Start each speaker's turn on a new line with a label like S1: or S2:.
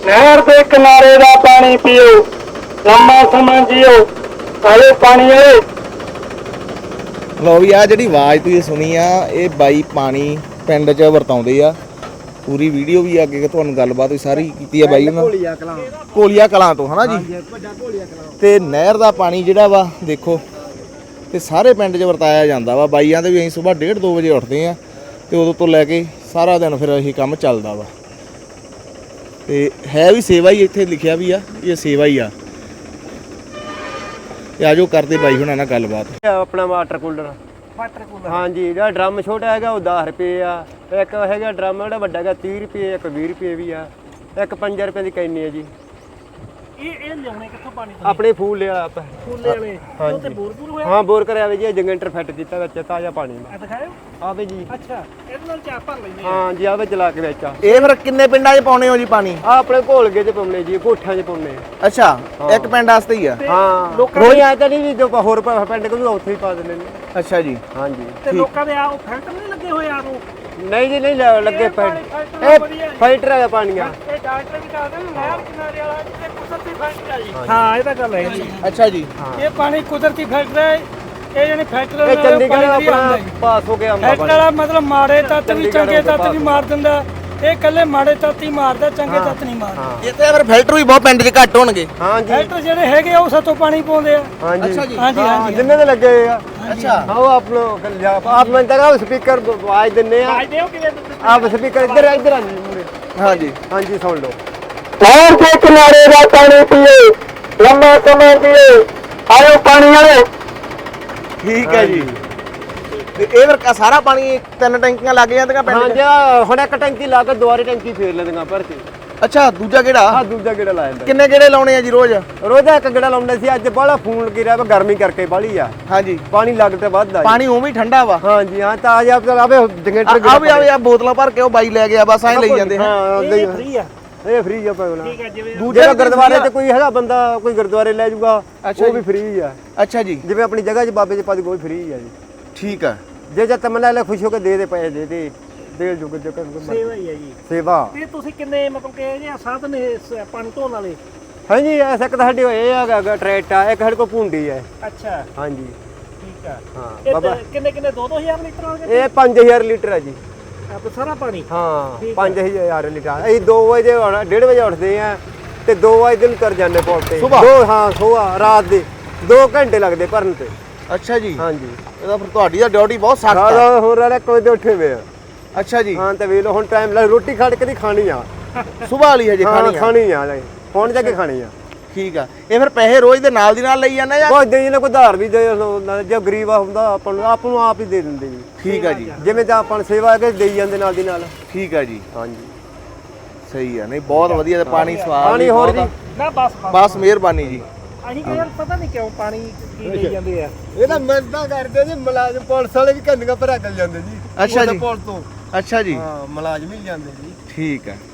S1: ਨਹਿਰ ਦੇ ਕਿਨਾਰੇ ਦਾ ਪਾਣੀ ਪੀਓ, ਲੰਮਾ ਸਮਾਂ ਜੀਓ। ਆਏ ਪਾਣੀ ਵਾਲੇ।
S2: ਲਓ ਵੀ ਆ ਜਿਹੜੀ ਆਵਾਜ਼ ਤੁਸੀਂ ਸੁਣੀ ਆ, ਇਹ ਬਾਈ ਪਾਣੀ ਪਿੰਡ 'ਚ ਵਰਤਾਉਂਦੇ ਆ। ਪੂਰੀ ਵੀਡੀਓ ਵੀ ਅੱਗੇ ਤੁਹਾਨੂੰ ਗੱਲਬਾਤ ਵੀ ਸਾਰੀ ਕੀਤੀ ਆ ਬਾਈ ਉਹਨਾਂ ਕੋਲੀਆ ਕਲਾਂ ਤੋਂ, ਹਨਾ ਜੀ। ਤੇ ਨਹਿਰ ਦਾ ਪਾਣੀ ਜਿਹੜਾ ਵਾ ਦੇਖੋ, ਤੇ ਸਾਰੇ ਪਿੰਡ 'ਚ ਵਰਤਾਇਆ ਜਾਂਦਾ ਵਾ। ਬਾਈਆਂ ਦੇ ਵੀ ਅਸੀਂ ਸਵੇਰ 1:30-2 ਵਜੇ ਉੱਠਦੇ ਆ, ਤੇ ਉਦੋਂ ਤੋਂ ਲੈ ਕੇ ਸਾਰਾ ਦਿਨ ਫਿਰ ਇਹ ਕੰਮ ਚੱਲਦਾ ਵਾ। ਤੇ ਹੈ ਵੀ ਸੇਵਾ ਹੀ, ਇੱਥੇ ਲਿਖਿਆ ਵੀ ਆ ਇਹ ਸੇਵਾ ਹੀ ਆ। ਤੇ ਆਜੋ ਕਰਦੇ ਬਾਈ ਹੁਣਾਂ ਨਾਲ ਗੱਲਬਾਤ।
S3: ਆਪਣਾ ਵਾਟਰ ਕੂਲਰ ਹਾਂਜੀ, ਜਿਹੜਾ ਡਰਮ ਛੋਟਾ ਹੈਗਾ ਉਹ 10 ਰੁਪਏ ਆ। ਇੱਕ ਹੈਗਾ ਡਰਮ ਜਿਹੜਾ ਵੱਡਾ ਹੈਗਾ 30 ਰੁਪਏ, ਇੱਕ 20 ਰੁਪਏ ਵੀ ਆ, ਇੱਕ 5 ਰੁਪਏ ਦੀ ਕੈਨੀ ਹੈ ਜੀ।
S4: ਇਹ ਲਿਆਉਣੇ ਕਿੱਥੋਂ ਪਾਣੀ
S3: ਆਪਣੇ ਫੂਲੇ ਵਾਲਾ
S4: ਫੁੱਲੇ ਵਾਲੇ ਉਹ ਤੇ ਬੋਰ ਹੋਇਆ।
S3: ਹਾਂ, ਬੋਰ ਕਰਿਆ ਵੇ ਜੀ, ਜਨਰੇਟਰ ਫਿੱਟ ਕੀਤਾ ਵਿੱਚ ਤਾਜ਼ਾ ਪਾਣੀ
S4: ਆ ਦਿਖਾਇਓ।
S3: ਆਵੇ ਜੀ।
S4: ਅੱਛਾ, ਇਹਦੇ ਨਾਲ ਚਾਹ ਭਰ ਲੈਂਦੇ
S3: ਹਾਂ ਜੀ, ਆਵੇ ਚਲਾ ਕੇ ਵਿੱਚ ਆ।
S2: ਇਹ ਫਿਰ ਕਿੰਨੇ ਪਿੰਡਾਂ 'ਚ ਪਾਉਣੇ ਹੋ ਜੀ ਪਾਣੀ?
S3: ਆ ਆਪਣੇ ਘੋਲਗੇ 'ਚ ਪਾਉਣੇ ਜੀ, ਕੋਠਿਆਂ 'ਚ ਪਾਉਣੇ।
S2: ਅੱਛਾ, ਇੱਕ ਪਿੰਡ ਵਾਸਤੇ ਹੀ ਆ?
S3: ਹਾਂ,
S4: ਲੋਕਾਂ
S3: ਰੋਜ਼ ਆਇਆ ਤਾਂ ਨਹੀਂ ਵੀ ਜੋ ਹੋਰ ਪਿੰਡ ਕੋਲ ਉੱਥੇ ਹੀ ਪਾ ਦਿੰਦੇ ਨੇ।
S2: ਅੱਛਾ ਜੀ।
S3: ਹਾਂਜੀ,
S4: ਤੇ ਲੋਕਾਂ ਦੇ ਆ ਉਹ ਫਿਲਟਰ ਨਹੀਂ ਲੱਗੇ ਹੋਏ ਆ ਨੂੰ?
S3: ਨਹੀਂ ਜੀ, ਨਹੀਂ ਲੱਗੇ ਫਿਲਟਰ ਹੈਗਾ ਪਾਣੀ ਆ।
S4: ਇਹ ਡਾਕਟਰ ਵੀ ਦੱਸਦੇ ਨੇ ਨਹਿਰ ਕਿਨਾਰੇ ਵਾਲਾ ਇਹ ਕੁਦਰਤੀ ਫਿਲਟਰ ਆ ਜੀ। ਹਾਂ, ਇਹ ਤਾਂ ਗੱਲ ਹੈ ਜੀ।
S2: ਅੱਛਾ ਜੀ।
S4: ਇਹ ਪਾਣੀ ਕੁਦਰਤੀ ਫਿਲਟਰ ਹੈ। ਇਹ ਜਿਹੜੀ ਫੈਕਟਰੀ
S3: ਇਹ ਚੰਡੀਗੜ੍ਹ ਆਪਣਾ ਪਾਸ ਹੋ ਕੇ ਆਉਂਦਾ
S4: ਫੈਕਟਰੀ ਵਾਲਾ ਮਤਲਬ ਮਾੜੇ ਤੱਤ ਵੀ ਚੰਗੇ ਤੱਤ ਵੀ ਮਾਰ ਦਿੰਦਾ। ਇਹ ਇਕੱਲੇ ਮਾੜੇ ਤੱਤ ਹੀ ਮਾਰਦਾ, ਚੰਗੇ ਤੱਤ ਨਹੀਂ ਮਾਰਦਾ।
S2: ਇਹ ਤੇ ਫਿਰ ਫਿਲਟਰ ਵੀ ਬਹੁਤ ਪਿੰਡ 'ਚ ਘੱਟ ਹੋਣਗੇ।
S3: ਹਾਂਜੀ,
S4: ਫਿਲਟਰ ਜਿਹੜੇ ਹੈਗੇ ਉਹ ਸਾਤੋਂ ਪਾਣੀ ਪਾਉਂਦੇ ਆ।
S3: ਹਾਂਜੀ
S2: ਜੀ।
S4: ਹਾਂਜੀ ਹਾਂਜੀ,
S3: ਜਿੰਨੇ ਦੇ ਲੱਗੇ ਆ।
S2: ਅੱਛਾ।
S3: ਹਾਂ, ਉਹ ਆਪ ਮੈਂ ਤਾਂ ਸਪੀਕਰ ਆਵਾਜ਼ ਦਿੰਨੇ ਆ।
S4: ਆਜ ਦਿਓ ਕਿਵੇਂ
S3: ਆਪ ਸਪੀਕਰ ਇੱਧਰ ਆ ਜੀ ਮੂਰੇ।
S2: ਹਾਂਜੀ
S3: ਹਾਂਜੀ, ਸੁਣ ਲਓ।
S1: ਨਹਿਰ ਦੇ ਕਿਨਾਰੇ ਦਾ ਪਾਣੀ ਪੀਓ, ਲੰਮਾ ਸਮਾਂ ਜੀਓ। ਆਇਓ ਪਾਣੀ ਵਾਲੇ।
S2: ਠੀਕ ਹੈ ਜੀ। ਤੇ ਇਹ ਫਿਰ ਸਾਰਾ ਪਾਣੀ 3 ਟੈਂਕੀਆਂ ਲੱਗ ਜਾਂਦੀਆਂ ਪਿੰਡ 'ਚ?
S3: ਹਾਂਜੀ, ਹੁਣ ਇੱਕ ਟੈਂਕੀ ਲਾ ਕੇ ਦੁਬਾਰੇ ਟੈਂਕੀ ਫੇਰ ਲੈਂਦੀਆਂ ਭਰ ਕੇ।
S2: ਅੱਛਾ, ਦੂਜਾ ਕਿਹੜਾ?
S3: ਆ ਦੂਜਾ ਗੇੜਾ ਲਾ ਜਾਂਦਾ।
S2: ਕਿੰਨੇ ਗੇੜੇ ਲਾਉਣੇ ਆ ਜੀ ਰੋਜ਼?
S3: ਰੋਜ਼ ਇੱਕ ਗੇੜਾ ਲਾਉਂਦੇ ਸੀ, ਅੱਜ ਬਾਹਲਾ ਫੋਨ ਲੱਗਿਆ ਵਾ, ਗਰਮੀ ਕਰਕੇ ਬਾਹਲੀ ਆ।
S2: ਹਾਂਜੀ,
S3: ਪਾਣੀ ਲੱਗ ਤੇ ਵੱਧਦਾ।
S2: ਪਾਣੀ ਉਵੇਂ ਹੀ ਠੰਡਾ ਵਾ?
S3: ਹਾਂਜੀ, ਹਾਂ, ਤਾਜ਼ਾ ਆਵੇ ਜਨਰੇਟਰ
S2: ਆ ਬੋਤਲਾਂ ਭਰ ਕੇ ਉਹ ਬਾਈ ਲੈ ਗਿਆ, ਬਸ ਐਂ ਲਈ ਜਾਂਦੇ।
S3: ਹਾਂ,
S4: ਇਹ ਫ੍ਰੀ ਆ?
S3: ਇਹ ਫ੍ਰੀ ਆ ਪਾਉਣਾ।
S4: ਠੀਕ ਹੈ, ਜਿਵੇਂ
S3: ਦੂਜੇ ਗੁਰਦੁਆਰੇ 'ਚ ਕੋਈ ਹੈਗਾ ਬੰਦਾ, ਕੋਈ ਗੁਰਦੁਆਰੇ ਲੈ ਜਾਊਗਾ, ਉਹ ਵੀ ਫ੍ਰੀ ਆ।
S2: ਅੱਛਾ ਜੀ।
S3: ਜਿਵੇਂ ਆਪਣੀ ਜਗ੍ਹਾ 'ਚ ਬਾਬੇ 'ਚ ਪਾ ਦੇ, ਕੋਈ ਫ੍ਰੀ ਆ ਜੀ।
S2: ਠੀਕ ਆ।
S3: ਜੇ ਤਮਨਾ ਲੈ ਖੁਸ਼ ਹੋ ਕੇ ਦੇ ਪੈਸੇ ਦੇ ਜੁਗ ਜੋ
S4: ਸੇਵਾ ਹੀ ਹੈ ਜੀ।
S3: ਸੇਵਾ।
S4: ਤੇ ਤੁਸੀਂ ਕਿੰਨੇ ਮਤਲਬ ਕਿ ਇਹ ਸਾਧਨ ਇਹ ਪਾਣੀ ਧੋਣ ਵਾਲੇ?
S3: ਹਾਂਜੀ, ਐਸਾ ਇੱਕ ਸਾਡੇ ਹੋਏ ਹੈਗਾ ਟਰੈਕਟ ਆ, ਇੱਕ ਸਾਡੇ ਕੋਲ ਭੁੰਡੀ ਹੈ।
S4: ਅੱਛਾ,
S3: ਹਾਂਜੀ,
S4: ਠੀਕ ਆ।
S3: ਹਾਂ
S4: ਇਹ
S3: ਬਾਬਾ।
S4: ਕਿੰਨੇ 2-2000 ਲੀਟਰ ਹੋਣਗੇ?
S3: ਇਹ 5000 ਲੀਟਰ ਆ ਜੀ।
S4: ਆਪ ਸਾਰਾ ਪਾਣੀ?
S3: ਹਾਂ, 5000 ਲੀਟਰ। ਅਸੀਂ 2 ਵਜੇ 1:30 ਵਜੇ ਉੱਠਦੇ ਆ ਤੇ 2 ਵਜੇ ਦਿਨ ਕਰ ਜਾਂਦੇ ਪੌੜ ਤੇ। ਹਾਂ, ਸੁਬਾਹ ਰਾਤ ਦੇ 2 ਘੰਟੇ ਲੱਗਦੇ ਭਰਨ ਤੇ।
S2: ਅੱਛਾ ਜੀ।
S3: ਹਾਂਜੀ,
S2: ਇਹਦਾ ਫਿਰ ਤੁਹਾਡੀ ਦਾ ਡਿਊਟੀ ਬਹੁਤ ਸਖਤ ਆ।
S3: ਸਾਰਾ ਹੋਰ ਵਾਲੇ ਕੋਈ ਦੇ ਉੱਠੇ ਵੇ ਆ।
S2: ਅੱਛਾ ਜੀ।
S3: ਹਾਂ, ਤੇ ਵੇਖ ਲਓ ਹੁਣ ਟਾਈਮ ਲੱਗ, ਰੋਟੀ ਖਾਣ ਕੇ ਦੀ ਖਾਣੀ ਆ।
S2: ਸੁਬਾਹ ਵਾਲੀ ਹਜੇ ਖਾਣੀ ਆ?
S3: ਖਾਣੀ ਆ, ਹੁਣ ਜਾ ਕੇ ਖਾਣੀ ਆ।
S2: ਠੀਕ ਆ। ਇਹ ਫਿਰ ਪੈਸੇ ਰੋਜ਼ ਦੇ ਨਾਲ ਦੀ ਨਾਲ ਲਈ ਜਾਂਦੇ ਜਾਂ?
S3: ਕੋਈ ਦੇ ਕੋਈ ਧਾਰ ਵੀ ਦੇ, ਜੇ ਗਰੀਬ ਆ ਹੁੰਦਾ ਆਪਾਂ ਨੂੰ ਆਪ ਹੀ ਦੇ ਦਿੰਦੇ ਜੀ।
S2: ਠੀਕ ਆ ਜੀ।
S3: ਜਿਵੇਂ ਤਾਂ ਆਪਾਂ ਨੂੰ ਸੇਵਾ ਕੇ ਦੇਈ ਜਾਂਦੇ ਨਾਲ ਦੀ ਨਾਲ।
S2: ਠੀਕ ਆ ਜੀ।
S3: ਹਾਂਜੀ,
S2: ਸਹੀ ਆ। ਨਹੀਂ, ਬਹੁਤ ਵਧੀਆ। ਤੇ ਪਾਣੀ ਸਵਾਦ
S3: ਪਾਣੀ ਹੋਰ ਜੀ।
S4: ਨਾ
S2: ਬਸ ਮਿਹਰਬਾਨੀ ਜੀ।
S4: ਅਸੀਂ ਕਿ ਯਾਰ ਪਤਾ ਨਹੀਂ ਕਿਉਂ ਪਾਣੀ ਕੀ ਲਈ ਜਾਂਦੇ ਆ।
S3: ਇਹ ਤਾਂ ਮਿਹਨਤਾਂ ਕਰਦੇ ਜੀ, ਮੁਲਾਜ਼ਮ ਪੁਲਿਸ ਵਾਲੇ ਵੀ ਕੰਨੀਆਂ ਭਰਾ ਚੱਲ ਜਾਂਦੇ ਜੀ।
S2: ਅੱਛਾ ਜੀ।
S3: ਪੁਲਿਸ ਤੋਂ।
S2: ਅੱਛਾ ਜੀ।
S3: ਹਾਂ, ਮੁਲਾਜ਼ਮ ਹੀ ਜਾਂਦੇ ਜੀ।
S2: ਠੀਕ ਆ।